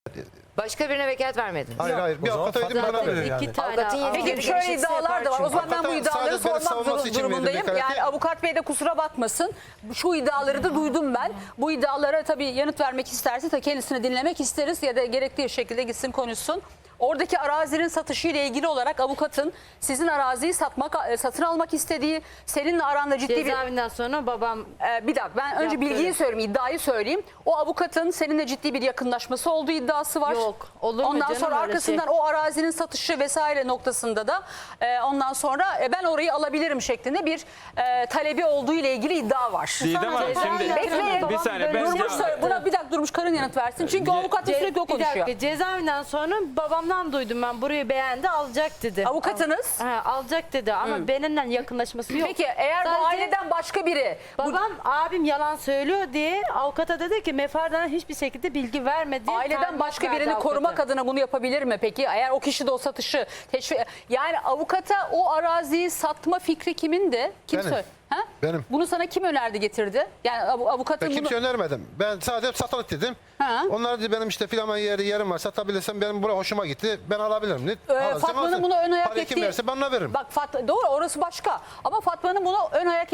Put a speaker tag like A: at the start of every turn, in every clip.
A: Başka birine vekalet vermedin.
B: Hayır. Bir avukata verdim, bana veriyor.
A: İki tane.
C: Peki şöyle iddialar da var. O zaman ben bu iddiaları sormak durumundayım. Yani avukat bey de kusura bakmasın. Şu iddiaları da duydum ben. Bu iddialara tabii yanıt vermek isterse de kendisini dinlemek isteriz ya da gerektiği şekilde gitsin konuşsun. Oradaki arazinin satışı ile ilgili olarak avukatın sizin araziyi satın almak istediği, seninle aranda ciddi bir...
A: Cezaevinden sonra babam...
C: Bir dakika ben önce bilgiyi söyleyeyim, iddiayı söyleyeyim. O avukatın seninle ciddi bir yakınlaşması olduğu iddiası var.
A: Yok, olur mu
C: Ondan
A: canım
C: sonra
A: öyle
C: arkasından
A: şey?
C: o arazinin satışı vesaire noktasında da ondan sonra ben orayı alabilirim şeklinde bir talebi olduğu ile ilgili iddia var.
D: Didem Hanım şimdi
C: Bekleyin.
D: bir saniye ben
C: Buna bir dakika Durmuş Karın yanıt versin. Çünkü avukat da sürekli o
A: Bir
C: konuşuyor.
A: dakika, cezaevinden sonra babamdan duydum ben, burayı beğendi, alacak dedi.
C: Avukatınız.
A: Alacak dedi ama benimle yakınlaşması yok.
C: Peki eğer bu
A: Sadece
C: aileden başka biri...
A: babam abim yalan söylüyor diye avukata dedi ki Mefar'dan hiçbir şekilde bilgi vermedi.
C: Aileden başka birini korumak adına bunu yapabilir mi peki? Eğer o kişi de o satışı teşvik... Yani avukata o araziyi satma fikri kimindi? Kim
B: Benim.
C: Ha?
B: Benim.
C: Bunu sana kim önerdi getirdi? Yani avukatın
B: Ben kimse
C: bunu...
B: önermedim. Ben sadece satılık dedim.
C: Ha.
B: Onlar dedi benim işte filan yerim var, satabilirsem benim buraya hoşuma gitti. Ben alabilirim dedi.
C: Fatma'nın bunu ön ayak
B: Parayı
C: ettiği...
B: kim verse ben ona veririm.
C: Bak doğru, orası başka. Ama Fatma'nın bunu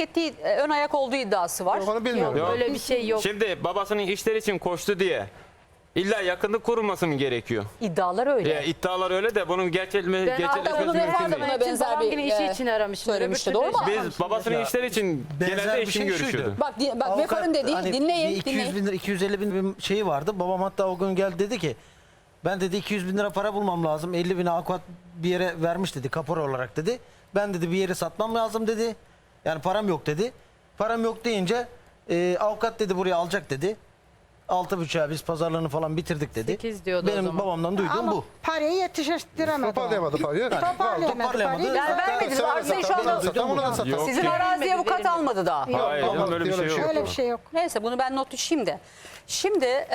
C: ön ayak olduğu iddiası var.
B: Onu bilmiyorum.
D: Yok.
A: Öyle bir şey yok.
D: Şimdi babasının işler için koştu diye illa yakınlık kurulması mı gerekiyor?
C: İddialar öyle.
D: Ya, iddialar öyle de bunun gerçekleşmesi
C: hatta bunu
D: mümkün
C: Mefar'da
D: değil.
C: buna benzer
A: babam
C: bir
A: yine işi için aramışım.
C: söylemişti,
A: Öbür
C: doğru mu?
A: türlü
D: Biz babasının işler için
E: benzer
D: genelde
E: bir
D: eşim
E: şey
D: görüşüyordu.
E: şuydu.
C: Bak Mefar'ın dediği,
E: hani
C: dinleyin.
E: 200 bin lira, 250 bin bir şeyi vardı. Babam hatta o gün geldi dedi ki ben dedi 200 bin lira para bulmam lazım. 50 bini avukat bir yere vermiş dedi, kapora olarak dedi. Ben dedi bir yeri satmam lazım dedi. Yani param yok dedi. Param yok deyince avukat dedi buraya alacak dedi. 6,5'a biz pazarlığını falan bitirdik dedi.
A: 8 diyordu o
E: Benim
A: zaman.
E: babamdan duyduğum
F: Ama
E: bu.
F: parayı yetiştiremedi.
B: Toparlayamadı parayı.
F: Toparlayamadı parayı.
C: Yani vermediniz. Arızayı şu anda...
B: Onu da satar.
D: Yok
C: Sizin
D: ya.
C: araziye avukat almadı daha.
D: Hayır canım, öyle bir şey yok.
F: Öyle bir şey yok.
C: Neyse bunu ben not düşeyim de. Şimdi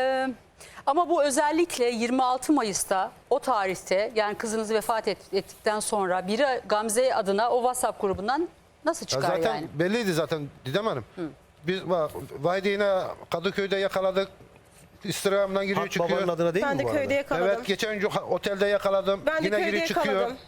C: ama bu özellikle 26 Mayıs'ta o tarihte yani kızınız vefat ettikten sonra biri Gamze adına o WhatsApp grubundan nasıl çıkar
B: Zaten
C: yani?
B: belliydi zaten Didem Hanım. Biz Vahide yine Kadıköy'de yakaladık. İstirhamdan giriyor
E: Hak
B: çıkıyor.
E: babanın adına değil
G: Ben
E: mi
G: de
E: bu arada?
G: köyde yakaladım.
B: Evet geçen gün otelde yakaladım.
G: Ben de
B: Yine
G: köyde
B: giriyor çıkıyor.
G: yakaladım.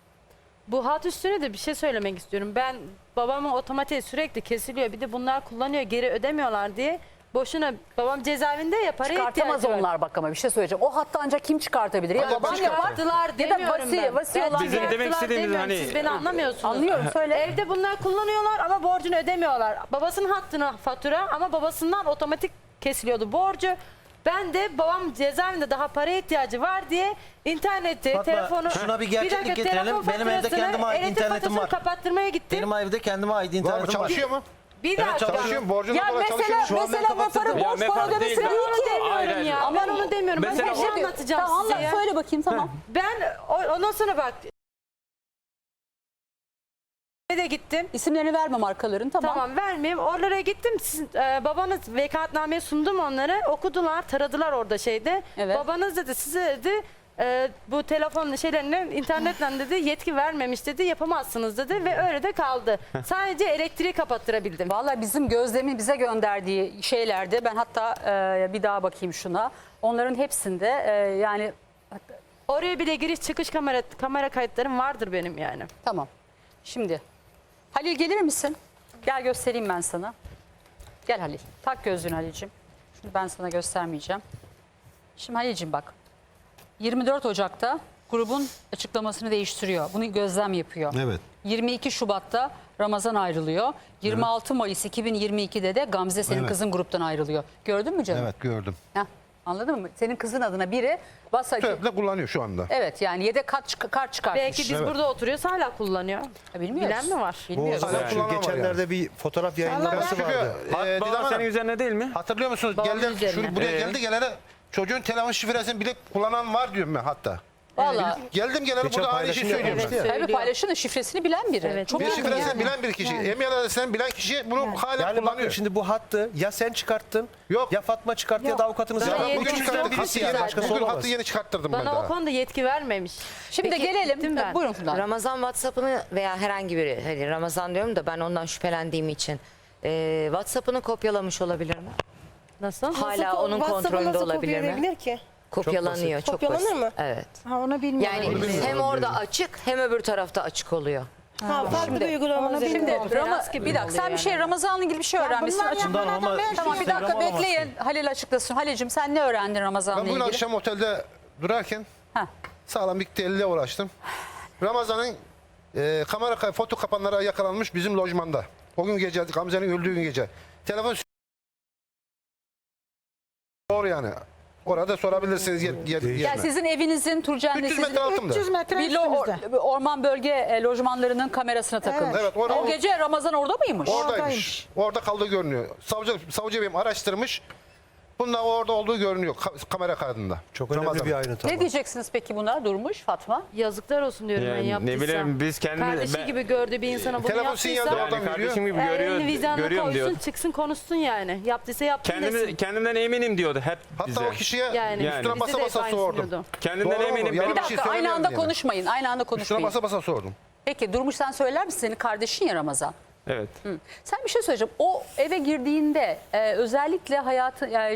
A: Bu hat üstüne de bir şey söylemek istiyorum. Ben babamın otomatiği sürekli kesiliyor. Bir de bunlar kullanıyor, geri ödemiyorlar diye. Boşuna babam cezaevinde ya, paraya
C: Çıkartamaz
A: ihtiyacı var.
C: onlar bak ama bir şey söyleyeceğim. O hatta ancak kim çıkartabilir? Ya
B: Ancak
C: baban
B: biz
C: yapar
A: Çıkarttılar
C: ya da
A: demiyorum ben.
C: vasi olan
D: Bizim demek
A: Çıkarttılar
D: istediğimiz
A: demiyorum,
D: hani-
A: siz beni anlamıyorsunuz.
C: Anlıyorum, söyle.
A: Evde bunlar kullanıyorlar ama borcunu ödemiyorlar. Babasının hattına fatura ama babasından otomatik kesiliyordu borcu. Ben de babam cezaevinde daha paraya ihtiyacı var diye interneti,
E: Fatma,
A: telefonu...
E: şuna bir gerçeklik
A: dakika,
E: getirelim.
A: telefon
E: Benim evde
A: faturasını,
E: kendime ait
A: elektrik
E: internetim
A: faturasını
E: var.
A: kapattırmaya gittim.
E: Benim evde kendime ait
B: Var mı?
E: internetim var.
B: Çalışıyor mu?
A: Bir
E: Evet,
A: dakika.
B: Çalışıyor mu? Borcuna
C: Ya
B: dolayı çalışıyor mu?
E: Şu an ben
C: mesela
E: kapattırdım.
C: Mefar'ın
D: Ya
C: borç
D: Mefar
C: para ödemesi
D: değil.
C: değil
A: Onu
C: ki.
A: demiyorum
D: Hayır,
A: ya.
D: hayır.
A: Ben onu demiyorum. Ben
D: Mesela
A: bir şey
D: o-
A: anlatacağım
C: Tamam
A: size
C: anlat,
A: ya.
C: söyle bakayım tamam.
A: Ben ondan sonra bak de gittim.
C: İsimlerini verme markaların tamam.
A: Tamam vermeyeyim. Oralara gittim. Babanız vekaletnameyi sundum onlara. Okudular, taradılar orada şeyde.
C: Evet.
A: Babanız dedi size dedi bu telefon şeylerine internetle dedi yetki vermemiş dedi, yapamazsınız dedi ve öyle de kaldı. Sadece elektriği kapattırabildim.
C: Vallahi bizim Gözlem'in bize gönderdiği şeylerde ben hatta bir daha bakayım şuna. Onların hepsinde yani
A: Oraya bile giriş çıkış kamera kayıtlarım vardır benim yani.
C: tamam. Şimdi Halil gelir misin? Gel göstereyim ben sana. Gel Halil. Tak gözlüğünü Halil'cim. Şimdi ben sana göstermeyeceğim. Şimdi Halil'cim bak. 24 Ocak'ta grubun açıklamasını değiştiriyor. Bunu Gözlem yapıyor.
E: Evet.
C: 22 Şubat'ta Ramazan ayrılıyor. 26 Mayıs 2022'de de Gamze senin
E: Evet.
C: kızın gruptan ayrılıyor. Gördün mü canım?
B: Evet gördüm.
C: Heh, anladın mı? Senin kızın adına biri
B: Tövbe kullanıyor şu anda.
C: Evet yani yedek kart çıkartmış.
A: Belki biz burada oturuyoruz hala kullanıyor.
C: Bilmiyoruz.
A: Bilen mi var?
C: Bilmiyoruz.
B: Hala kullanan var
E: Geçenlerde bir fotoğraf yayınlaması
B: Çünkü
E: vardı.
B: Didem
D: Baba
B: Hanım,
D: senin üzerine değil mi?
B: hatırlıyor musunuz?
A: Babamın
B: Geldim
A: üzerine.
B: buraya geldi gelene çocuğun telefon şifresini bile kullanan var diyorum ben hatta.
C: Vallahi
B: Geldim gelene
E: Geçen
B: burada aynı şeyi
E: paylaşım
B: söylüyorum
E: yapmıştı
B: ben.
E: ya.
C: tabii
A: Söylüyor.
C: paylaşın şifresini bilen biri.
A: Evet.
C: Çok
B: Bir
C: yakın
B: şifresini
C: yani.
B: bilen bir kişi, emniyet adresinden bilen kişi bunu hala
H: Yani bakın
B: kullanıyor.
H: şimdi bu hattı ya sen çıkarttın
B: Yok.
H: ya Fatma çıkarttı ya da avukatınız.
A: Bana
B: Ya ben
A: yeni
B: bugün
A: çıkarttım.
B: çıkarttım.
H: birisi
B: Hattı
H: yani
B: yeni,
H: başkası
B: bugün
H: olamaz.
B: hattı yeni çıkarttırdım ben
A: Bana o
B: daha.
A: konuda yetki vermemiş.
C: Şimdi
A: Peki,
C: gelelim.
A: gittim ben.
C: Buyurun Funda.
I: Ramazan WhatsApp'ını veya herhangi biri, hani Ramazan diyorum da ben ondan şüphelendiğim için WhatsApp'ını kopyalamış olabilir mi?
A: Nasıl?
I: Hala onun
G: WhatsApp'ı
I: kontrolünde
G: nasıl
I: olabilir mi?
G: kopyalayabilir ki?
I: Kopyalanıyor. Çok
G: Kopyalanır
I: basit.
G: mı?
I: Evet.
F: Ha, onu bilmiyorum.
I: Yani hem orada açık hem öbür tarafta açık oluyor.
G: Ha, farklı bir uygulama
F: onu
G: üzerinde.
C: Şimdi
A: Konferans gibi
C: bir dakika sen bir şey Ramazan'la ilgili bir şey öğrenmişsin.
F: bunlar
C: Açık-
F: yakaladı,
E: ama
F: ben-
C: Tamam bir
E: Instagram
C: dakika
E: alamazsın.
C: bekleyin. Halil açıklasın. Halil'cim sen ne öğrendin Ramazan'la
B: Ben bugün
C: ilgili?
B: akşam otelde durarken
C: Heh.
B: sağlam bir delile ulaştım. Ramazan'ın foto kapanlara yakalanmış bizim lojmanda. O gün gece, Gamze'nin öldüğü gün gece. Telefon doğru yani. Orada sorabilirsiniz.
C: Yani sizin evinizin
B: 300
C: Turcen'de sizin
B: metre altında.
F: 300 metre
C: bir
F: üstümüzde.
C: orman bölge lojmanlarının kamerasına takılmış.
B: Evet, orada-
C: O gece Ramazan orada mıymış?
B: Oradaymış.
F: Oradaymış.
B: Orada kaldığı görünüyor. Savcı beyim araştırmış. Bunlar orada olduğu görünüyor kamera kaydında.
H: Çok önemli
B: Ramazan.
H: bir ayrıntı
C: Ne
H: ama.
C: diyeceksiniz peki buna Durmuş Fatma?
A: Yazıklar olsun diyorum ben
D: Yani
A: yaptıysam.
D: ne bileyim biz kendimiz...
A: Kardeşi gibi gördüğü bir insana bunu
B: Telefon
A: yaptıysa.
B: sinyali oradan
D: Yani
B: veriyor.
D: kardeşim gibi
A: Elini vicdanına
D: görüyorum diyor.
A: koysun çıksın konuşsun yani. Yaptıysa yaptı desin.
D: Kendimden eminim diyordu hep
B: Hatta
D: bize.
B: o kişiye
A: Yani,
B: üstüne
A: bizi
B: basa
A: de
B: basa
A: aynısını
B: sordum.
A: diyordu.
D: Kendimden
B: Doğru mu?
D: eminim.
B: Yalan
C: Bir
B: bir şey
C: dakika aynı
B: söylemiyorum
C: anda
B: yani.
C: konuşmayın. Aynı anda
B: Üstüne
C: konuşmayın.
B: basa basa sordum.
C: Peki Durmuş sen söyler misin? Senin kardeşin ya Ramazan.
D: Evet.
C: Sen bir şey söyleyeceğim. O eve girdiğinde özellikle hayatı yani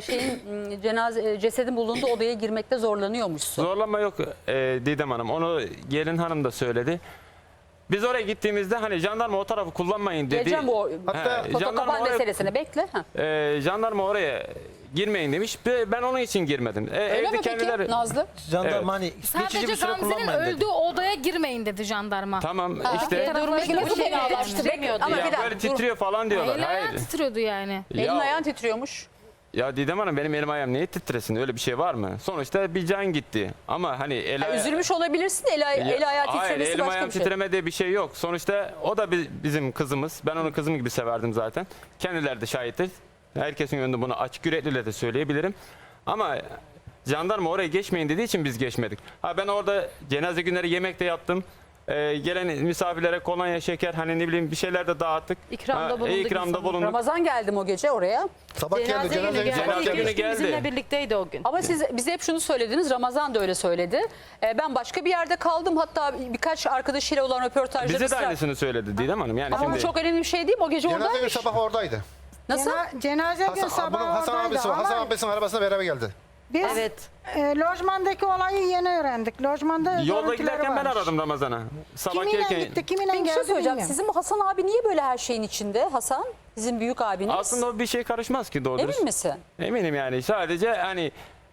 C: cesedin bulunduğu odaya girmekte zorlanıyormuşsun.
D: Zorlama yok Didem Hanım. Onu gelin hanım da söyledi. Biz oraya gittiğimizde hani jandarma o tarafı kullanmayın dedi.
C: Geleceğim bu
B: Hatta
C: fotokapan meselesine bekle. Ha.
D: Jandarma oraya girmeyin demiş. Ben onun için girmedim.
C: Öyle
D: Evde
C: mi
D: kendileri...
C: peki Nazlı?
E: Jandarma
D: Evet.
E: hani geçici
J: Sadece
E: bir süre
J: Gamze'nin
E: kullanmayın dedi.
J: öldüğü odaya girmeyin dedi jandarma.
D: Tamam
C: Ha,
D: işte.
C: peki, Durmuş
J: Peki,
C: nasıl
J: bu şey
C: fenalaştı?
A: demiyordu
C: Ama
D: Ya
C: bir dakika.
D: böyle titriyor falan diyorlar.
J: Eli ayağı
D: Hayır.
J: titriyordu yani.
C: Elin
D: Ya,
C: ayağın titriyormuş.
D: ya Didem Hanım benim elim ayağım niye titresin? Öyle bir şey var mı? Sonuçta bir can gitti. Ama hani
C: Üzülmüş olabilirsin. Eli ayağı
D: Hayır,
C: titremesi
D: elim
C: başka
D: ayağım
C: bir şey.
D: titreme diye bir şey yok. Sonuçta o da bizim kızımız. Ben onu kızım gibi severdim zaten. Kendileri de şahittir. Herkesin önünde bunu açık yürekliyle de söyleyebilirim. Ama jandarma oraya geçmeyin dediği için biz geçmedik. Ha ben orada cenaze günleri yemekte yaptım. Gelen misafirlere kolonya, şeker hani ne bileyim bir şeyler de dağıttık.
A: İkramda bulunduk
D: İkramda
A: insanlara.
D: bulunduk.
C: Ramazan geldim o gece oraya.
B: Sabah geldi.
A: Cenaze günü
B: Cenaze
A: geldi.
B: sabah
D: Cenaze
A: İki
D: günü
A: üç gün
D: geldi.
A: bizimle birlikteydi o gün.
C: Ama siz bize hep şunu söylediniz. Ramazan da öyle söyledi. Ben başka bir yerde kaldım. Hatta birkaç arkadaşıyla olan röportajda
D: Bize de
C: ısrar-
D: aynısını söyledi Didem Hanım. Yani
C: Ama bu
D: şimdi
C: çok önemli bir şey değil mi? O gece
B: Cenaze günü
C: oradaymış.
B: sabah oradaydı.
C: Nasıl?
F: Cenaze gün
B: Bunun
F: sabah
B: Hasan
F: oradaydı
B: abisi var.
F: ama
B: Hasan abisinin arabasına beraber geldi.
F: biz
A: Evet.
F: lojmandaki olayı yeni öğrendik. Lojmanda
D: yolda
F: görüntüleri
D: giderken ben
F: varmış.
D: aradım Ramazan'a. Sabah
F: Kiminle
D: gelirken
F: gitti, kiminle
C: Peki bir şey
F: geldi
C: söyleyeceğim.
F: bilmiyorum.
C: Sizin bu Hasan abi niye böyle her şeyin içinde? Hasan, sizin büyük abiniz.
D: aslında o bir şey karışmaz ki doğru dürüst.
C: Emin misin?
D: Eminim yani. Sadece hani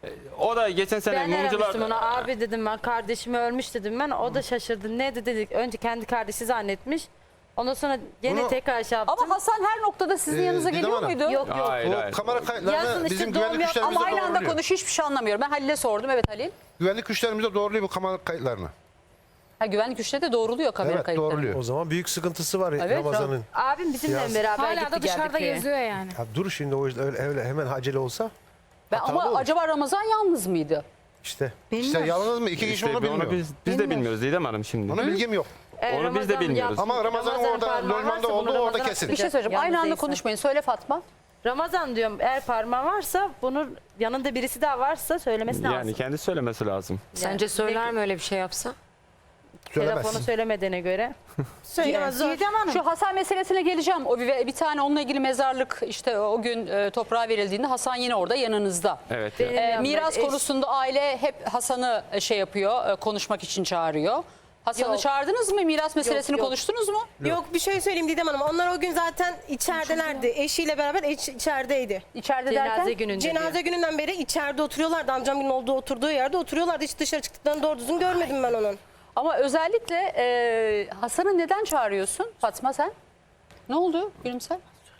D: o da geçen sene
A: Ben
D: mumcular...
A: aramıştım ona. Abi dedim ben kardeşimi ölmüş dedim ben. O da şaşırdı. Ne dedik? Önce kendi kardeşi zannetmiş. Ondan sonra gene
B: Bunu-
A: tekrar şey yaptım.
C: Ama Hasan her noktada sizin yanınıza
B: Didem
C: geliyor
B: Hanım.
C: muydu?
A: Yok yok.
D: Hayır,
B: Bu
D: hayır.
B: kamera
A: Yazın
B: kayıtlarını
A: işte
B: bizim
A: doğum
B: güvenlik
A: yap-
B: güçlerimize
C: Ama aynı anda
B: doğruluyor.
C: konuş hiçbir şey anlamıyorum. Ben Halil'e sordum. Evet Halil.
B: Güvenlik güçlerimize doğruluyor bu kamera kayıtlarını.
C: Ha, güvenlik güçleri de doğruluyor kamera
B: Evet
C: kayıtları.
B: doğruluyor.
H: O zaman büyük sıkıntısı var
C: Evet,
H: Ramazan'ın.
A: Abim bizimle
H: Yaz.
A: beraber
J: Hala
A: gitti
J: da
A: geldik
J: dışarıda
A: köye.
J: geziyor yani.
H: Ya dur şimdi o yüzden öyle hemen acele olsa hatalı
C: Ama
H: olur.
C: acaba Ramazan yalnız mıydı?
H: işte.
B: İşte yalnız mı? İki kişi
D: İşte
B: onu bilmiyor.
D: biz de bilmiyoruz Didem Hanım şimdi.
B: Onun bilgim yok.
D: Onu biz de bilmiyoruz.
B: Ama Ramazan'ın orada,
A: parmağı
B: Lojman'da
A: varsa bunu
B: olduğu orada
A: Ramazan'a
B: kesin.
C: Bir şey söyleyeceğim.
A: Yalnız
C: Aynı anda
A: değilse.
C: konuşmayın. Söyle Fatma.
A: Ramazan diyorum eğer parmağı varsa bunu yanında birisi daha varsa söylemesi lazım.
D: Yani kendi söylemesi lazım.
I: Sence söyler mi öyle bir şey yapsa?
B: Söylemez.
A: Telefonu söylemediğine göre.
G: Söylemez zor.
F: Didem Hanım.
C: Şu Hasan meselesine geleceğim. O bir tane onunla ilgili mezarlık işte o gün toprağa verildiğinde Hasan yine orada yanınızda.
D: Evet.
A: Benim
D: ya.
A: yanımda
C: Miras
A: eş-
C: konusunda aile hep Hasan'ı şey yapıyor, konuşmak için çağırıyor. Hasan'ı
A: Yok.
C: çağırdınız mı? Miras meselesini
A: yok.
C: konuştunuz mu?
G: Yok bir şey söyleyeyim Didem Hanım. Onlar o gün zaten içeridelerdi. Eşiyle beraber içerideydi.
C: İçeride
A: Cenaze
C: derken?
A: gününde
G: Cenaze
A: diyor.
G: gününden beri içeride oturuyorlardı. Amcamın oturduğu yerde oturuyorlardı. Hiç dışarı çıktıklarını doğru düzgün görmedim ben onun.
C: Ama özellikle Hasan'ı neden çağırıyorsun Fatma sen? Ne oldu Gülümser?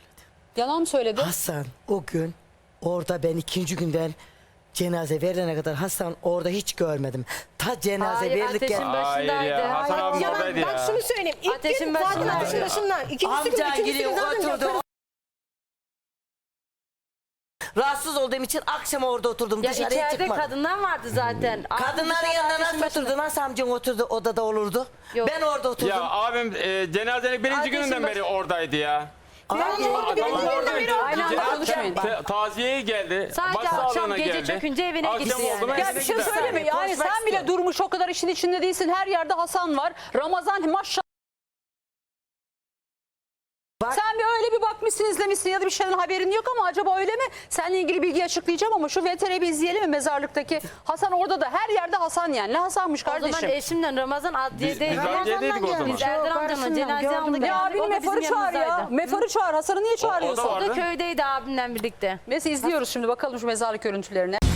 C: Yalan mı söyledi?
K: Hasan o gün orada ben ikinci günden cenaze verilene kadar Hasan orada hiç görmedim. Ta cenaze
A: Hayır,
K: verilirken
A: ateşin
D: Hayır
A: başındaydı.
D: ya, Hasan
A: Hayır.
D: abim
G: Ya
D: oradaydı
G: ben
D: ya.
G: şunu söyleyeyim. İlk
A: Ateşin
G: gün zaten
A: başında.
G: ateşin başında. İkincisi gün,
K: amcan
G: üçüncüsü
K: geliyor
G: gün zaten
K: oturdu.
G: yaparım.
K: Rahatsız olduğum için akşam orada oturdum
A: Ya
K: dışarıya
A: içeride
K: çıkmadım.
A: kadınlar vardı zaten. Abim
K: Kadınların
A: dışarıda
K: yanına
A: ateşin
K: nasıl
A: başında.
K: oturdu? Nasıl amcan oturdu odada olurdu?
A: Yok.
K: Ben orada oturdum.
D: Ya abim cenazenin birinci
A: Ateşin
D: gününden beri oradaydı ya.
K: Abi,
D: Adamın oradaydı.
C: Aynı anda konuşmayın.
D: Taziyeye geldi.
A: Sadece akşam
D: başsağlığına
A: gece
D: geldi.
A: çökünce evine
D: Akşam
A: gitti yani.
D: oldu mu
C: Ya
D: evine
C: bir şey
D: gider.
C: söyleme yani
A: konuşmak
C: sen bile
A: istiyorum.
C: durmuş o kadar işin içinde değilsin. Her yerde Hasan var. Ramazan maşallah
K: Bak,
C: Sen bir öyle bir bakmışsın, izlemişsin ya da bir şeyden haberin yok ama acaba öyle mi? Seninle ilgili bilgi açıklayacağım ama şu VTR'yi bir izleyelim mi mezarlıktaki? Hasan orada da her yerde Hasan yani. Ne Hasan'mış
A: O zaman
C: kardeşim?
A: eşimle Ramazan adliyedeydi.
D: Biz adliyedeydik o zaman.
A: Biz Erdem amcamın cenazeye aldık.
C: Ya abini
A: O da bizim
C: Mefar'ı çağır ya.
A: yanımızdaydı.
C: Mefar'ı çağır. Hasan'ı niye çağırıyorsun?
D: o da
A: O da
D: vardı.
A: köydeydi abimle birlikte.
C: Neyse izliyoruz şimdi bakalım şu mezarlık görüntülerine.